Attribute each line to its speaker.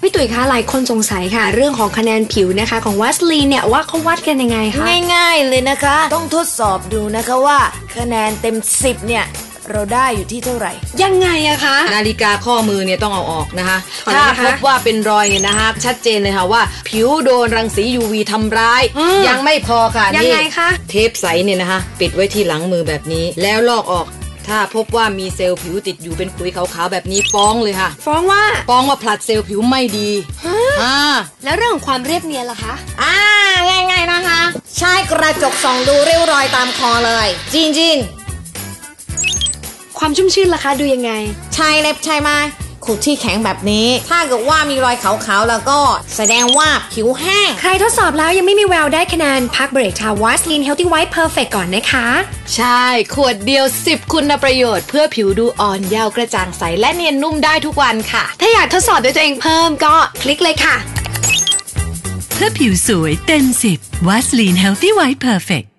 Speaker 1: พี่ตุ๋ยคะหลายคนสงสัยค่ะเรื่องของคะแนนผิวนะคะของวัสลีนเนี่ยว่าเขาวัดกันยังไงคะ
Speaker 2: ง่ายๆเลยนะคะต้องทดสอบดูนะคะว่าคะแนนเต็ม10เนี่ยเราได้อยู่ที่เท่าไหร่
Speaker 1: ยังไงอะคะ
Speaker 3: นาฬิกาข้อมือเนี่ยต้องเอาออกนะคะถ้าพบว่าเป็นรอยเนี่ยนะคะชัดเจนเลยค่ะว่าผิวโดนรังสี UV ทำร้ายยังไม่พอค่ะ
Speaker 1: ยังไงคะ
Speaker 3: เทปใสเนี่ยนะคะปิดไว้ที่หลังมือแบบนี้แล้วลอกออกถ้าพบว่ามีเซลล์ผิวติดอยู่เป็นขุยขาวๆแบบนี้ฟ้องเลยค่ะ
Speaker 1: ฟ้อง
Speaker 3: ว่าผลัดเซลล์ผิวไม่ดี
Speaker 1: แล้วเรื่องของความเรียบเนียนล่ะคะ
Speaker 2: ง่ายๆนะคะใช้กระจกส่องดูริ้วรอยตามคอเลยจิน
Speaker 1: ความชุ่มชื่นล่ะคะดูยังไง
Speaker 2: ใช้เล็บใช่ไหมขูดที่แข็งแบบนี้ถ้าเกิดว่ามีรอยขาวๆแล้วก็แสดงว่าผิวแห้ง
Speaker 1: ใครทดสอบแล้วยังไม่มีแววได้คะแนนพักเบรกทาวัสลีนเฮลตี้ไวท์เพอร์เฟคก่อนนะคะ
Speaker 3: ใช่ขวดเดียว10คุณประโยชน์เพื่อผิวดูอ่อนเยาว์กระจ่างใสและเนียนนุ่มได้ทุกวันค่ะ
Speaker 1: ถ้าอยากทดสอบด้วยตัวเองเพิ่มก็คลิกเลยค่ะ
Speaker 4: เพื่อผิวสวยเต็ม10วัสลีนเฮลตี้ไวท์เพอร์เฟค